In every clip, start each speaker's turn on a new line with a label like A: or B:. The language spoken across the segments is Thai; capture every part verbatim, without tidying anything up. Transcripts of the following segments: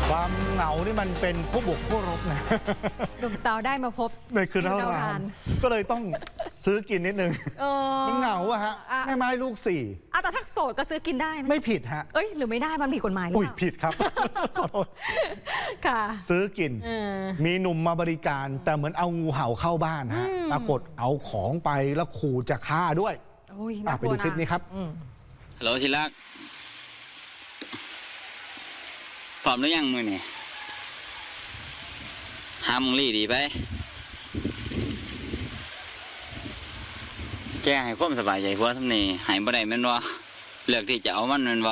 A: ความเหงานี่มันเป็นคู่บวกคู่รบนะ
B: หนุ่มสาวได้มาพบ
A: ในคืนเท่ารานก็เลยต้องซื้อกินนิดนึงมันเหงาอะฮะแม่ไม้ลูกสี่
B: อะแต่ถ้าโสดก็ซื้อกินได้
A: ไม่ผิดฮะ
B: เอ้ยหรือไม่ได้มันผิดกฎหมาย
A: อุ้ยผิดครับขอโทษ
B: ค่ะ
A: ซื้อกินมีหนุ่มมาบริการแต่เหมือนเอางูเห่าเข้าบ้านฮะปรากฏเอาของไปแล้วขู่จะฆ่าด้วยไปดูคลิปนี้ครับ
C: ฮัลโหลทีรักพร้อมหรือยังมือนี่หามึงรีดีไปแกให้ความสบายใจพวกทำนี่หายบ่ได้แม่นวะเลือกที่จะเอามันแม่นวะ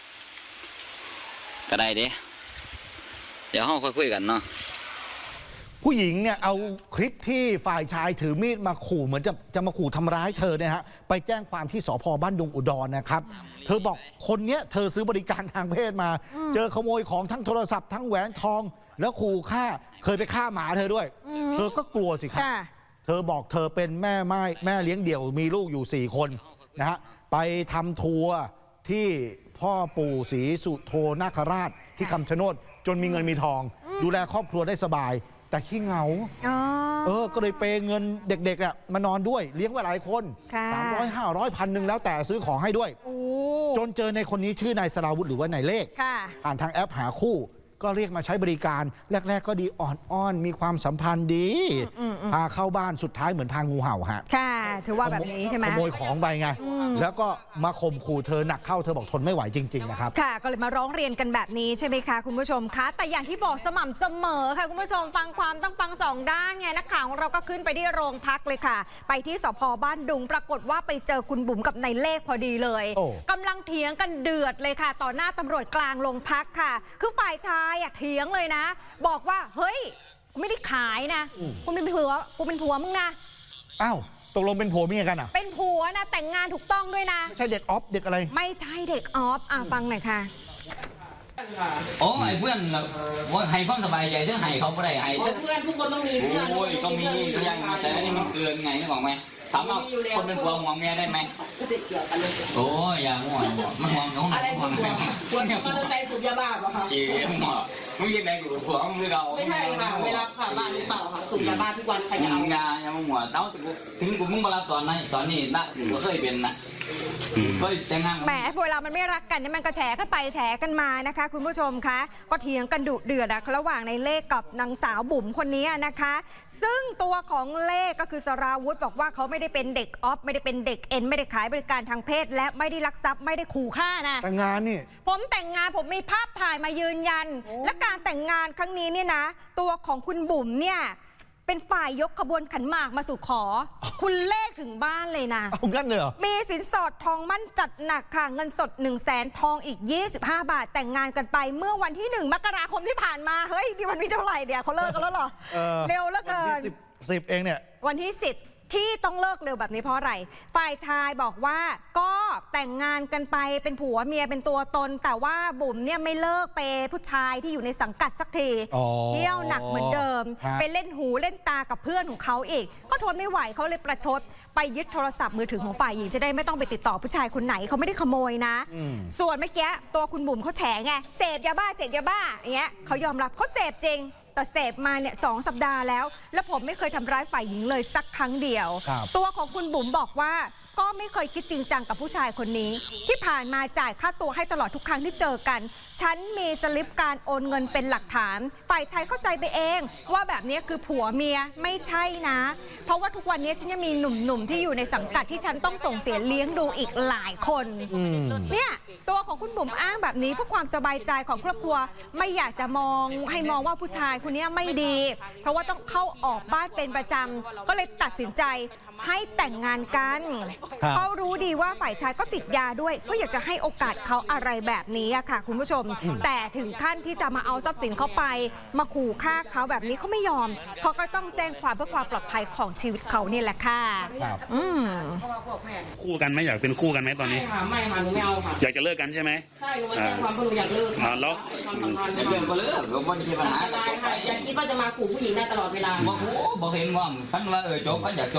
C: ก็ได้เด้เดี๋ยวห้องค่อยคุยกันเนาะ
A: ผู้หญิงเนี่ยเอาคลิปที่ฝ่ายชายถือมีดมาขู่เหมือนจะจะมาขู่ทำร้ายเธอเนี่ยฮะไปแจ้งความที่สภ.บ้านดุงอุดรนะครับเธอบอกคนเนี้ยเธอซื้อบริการทางเพศมาเจอขโมยของทั้งโทรศัพท์ทั้งแหวนทองแล้วขู่ฆ่าเคยไปฆ่าหมาเธอด้วยเธอก็กลัวสิครับเธอบอกเธอเป็นแม่ไม้แม่เลี้ยงเดี่ยวมีลูกอยู่สี่คนนะฮะไปทำทัวร์ที่พ่อปู่ศรีสุโธนาคราชที่คำชะโนดจนมีเงินมีทองดูแลครอบครัวได้สบายแต่ขี้เหงาเออก็เลยเปย์เงินเด็กๆอ่ะมานอนด้วยเลี้ยงไว้หลายคนสามร้อยห้าร้อยพันหนึ่งแล้วแต่ซื้อของให้ด้วยจนเจอในคนนี้ชื่อนายสราวุธหรือว่านายเลขผ่านทางแอปหาคู่ก็เรียกมาใช้บริการแรกๆก็ดีอ่อนๆมีความสัมพันธ์ดีพาเข้าบ้านสุดท้ายเหมือนพางูเห่าฮะ
B: ค่ะถือว่าแบบนี้ใช่ไหม
A: ขโมยของไปไงแล้วก็มาข่มขู่เธอหนักเข้าเธอบอกทนไม่ไหวจริงๆนะครับ
B: ค่ะก็เลยมาร้องเรียนกันแบบนี้ใช่ไหมคะคุณผู้ชมคะแต่อย่างที่บอกสม่ำเสมอค่ะคุณผู้ชมฟังความต้องฟังสองด้านไงนักข่าวของเราก็ขึ้นไปที่โรงพักเลยค่ะไปที่สภ.บ้านดุงปรากฏว่าไปเจอคุณบุ๋มกับนายเลขพอดีเลยกำลังเถียงกันเดือดเลยค่ะต่อหน้าตำรวจกลางโรงพักค่ะคือฝ่ายชายอะเถียงเลยนะบอกว่าเฮ้ยไม่ได้ขายนะคุณเป็นผัวกูเป็นผัวมึงนะ
A: อ้าวตกลงเป็นผัวเมียกันอ่ะ
B: เป็นผัวนะแต่งงานถูกต้องด้วยนะ
A: ไม่ใช่เด็กออฟเด็กอะไร
B: ไม่ใช่เด็กออฟอ่ะฟังหน่อยค่ะ
D: โอ้ไอ้เพื่อนว่าให้ความสบายใจเรื่องให้เขาไม่ได้ให้
E: เพื่อนทุกคนต้องมีเพื่อน
D: โอ้ยต้องมีก็ยังแต่อันนี้มันเกินไงนึกออกไหมถามว่าคนเป็นผัวห่วงเมียได้ไหมโอ้ยอย่าห่วงมันห่วงน้อง
E: อะไรห่วงห่วงมอเตอร์ไซค์สูบยาบ้าป่ะคะ
D: เกี่ยวหัวมึงยังไงกูผัวมึงเรา
E: ไม่ใช่ค่ะไม่รับค่ะบ้านหรือเปล่าค่ะสูบยาบ้าทุกวันใครจะเอา
D: งานยังมึงหัวเต้าถึงกูมึงมารับตอนนั้นตอนนี้น่ากูเคยเป็นนะก็แต่งงาน
B: แหมเวลามันไม่รักกันนี่มันก็แฉกันไปแฉกันมานะคะคุณผู้ชมคะก็เถียงกันดุเดือดระหว่างในเลขกับนางสาวบุ๋มคนนี้นะคะซึ่งตัวของเลขก็คือสราวุธบอกว่าเขาไม่ได้เป็นเด็กออฟไม่ได้เป็นเด็กเอ็นไม่ได้ขายบริการทางเพศและไม่ได้ลักทรัพย์ไม่ได้ขู่ฆ่านะ
A: แต่งงานนี่
B: ผมแต่งงานผมมีภาพถ่ายมายืนยันและการแต่งงานครั้งนี้เนี่ยนะตัวของคุณบุ๋มเนี่ยเป็นฝ่ายยกขบวนขันหมากมาสู่ขอคุณเลขถึงบ้านเลยนะ
A: เอางั้นเลยเหรอ
B: มีสินสอดทองมั่นจัดหนักค่ะเงินสดหนึ่งแสนทองอีกยี่สิบห้าบาทแต่งงานกันไปเมื่อวันที่หนึ่งมกราคมที่ผ่านมาเฮ้ยนี่วันที่เท่าไหร่เดี๋ยวเขาเลิกกันแล้วเหรอเร็วเหลือเกิน
A: สิบเองเนี่ย
B: วันที่สิบที่ต้องเลิกเร็วแบบนี้เพราะอะไรฝ่ายชายบอกว่าก็แต่งงานกันไปเป็นผัวเมียเป็นตัวตนแต่ว่าบุ๋มเนี่ยไม่เลิกเปย์ผู้ชายที่อยู่ในสังกัดสักทีเที่ยวหนักเหมือนเดิมไปเล่นหูเล่นตากับเพื่อนของเขาอีกก็ทนไม่ไหวเขาเลยประชดไปยึดโทรศัพท์มือถือของฝ่ายหญิงจะได้ไม่ต้องไปติดต่อผู้ชายคนไหนเขาไม่ได้ขโมยนะส่วนเมื่อกี้ตัวคุณบุ๋มเขาแฉไงเสพยาบ้าเสพยาบ้าอย่างเงี้ยเขายอมรับเขาเสพจริงแต่เสพมาเนี่ยสองสัปดาห์แล้วและผมไม่เคยทำร้ายฝ่ายหญิงเลยสักครั้งเดียวตัวของคุณบุ๋มบอกว่าก็ไม่เคยคิดจริงจังกับผู้ชายคนนี้ที่ผ่านมาจ่ายค่าตัวให้ตลอดทุกครั้งที่เจอกันฉันมีสลิปการโอนเงินเป็นหลักฐานฝ่ายชายเข้าใจไปเองว่าแบบนี้คือผัวเมียไม่ใช่นะเพราะว่าทุกวันนี้ฉันยังมีหนุ่มๆที่อยู่ในสังกัดที่ฉันต้องส่งเสียเลี้ยงดูอีกหลายคนเนี่ยตัวของคุณบุ๋มอ้างแบบนี้เพื่อความสบายใจของครอบครัวไม่อยากจะมองให้มองว่าผู้ชายคนนี้ไม่ดีเพราะว่าต้องเข้าออกบ้านเป็นประจำก็เลยตัดสินใจให้แต่งงานกันเขารู้ดีว่าฝ่ายชายก็ติดยาด้วยก็อยากจะให้โอกาสเขาอะไรแบบนี้อะค่ะคุณผู้ชมแต่ถึงขั้นที่จะมาเอาทรัพย์สินเขาไปมาขู่ฆ่าเขาแบบนี้เขาไม่ยอมเขาก็ต้องแจ้งความเพื่อความปลอดภัยของชีวิตเขาเนี่ยแหละค่ะอืม
F: คู่กันไหมอยากเป็นคู่กันไหมตอนนี้
E: ไม่ค่ะไม่ค่ะหนูไม่เอาค่ะ
F: อยากจะเลิกกันใช่ไหม
E: ใช่หนูมาแจ้งความเพราะหนูอยากเลิก
F: ค่ะแล้ว
D: เรื่องก็เลิกก็ไม่ใช่ปัญหา
E: อย่าคิดว่าจะมาขู่ผู้หญิงได้ตลอดเวลา
D: บอกโอ้บอกเห็นว่าท่านว่าเออจบก็อยากจบแบบนี้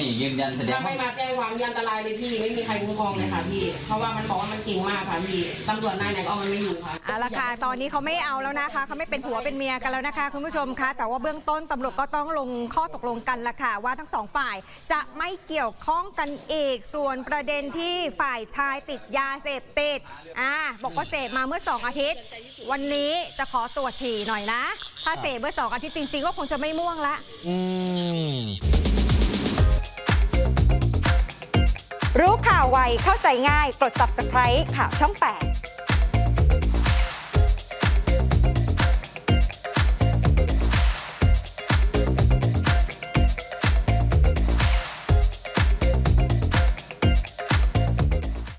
D: นี่ยืนยันแสดง
E: ถ้าไม่มาแจ้งความนี่อันตรายเลยพี่ไม่มีใครคุ้มครองเลยค่ะพี่เพราะว่ามันบอกว่ามันเก่งมากค่ะพี่ตำรวจนายไหนก็เอามันไม่อยู่ค่ะ
B: เอาละค่ะตอนนี้เขาไม่เอาแล้วนะคะเขาไม่เป็นผัวเป็นเมียกันแล้วนะคะคุณผู้ชมคะแต่ว่าเบื้องต้นตำรวจก็ต้องลงข้อตกลงกันละค่ะว่าทั้งสองฝ่ายจะไม่เกี่ยวข้องกันอีกส่วนประเด็นที่ฝ่ายชายติดยาเสพติดอ่าบอกว่าเสพมาเมื่อสองอาทิตย์ วันนี้จะขอตรวจฉี่หน่อยนะ ถ้าเสพเมื่อสองอาทิตย์จริงๆก็คงจะไม่ม่วงละ
A: อืม
B: รู้ข่าวไวเข้าใจง่ายกด ซับสไครบ์ ข่าวช่องแปด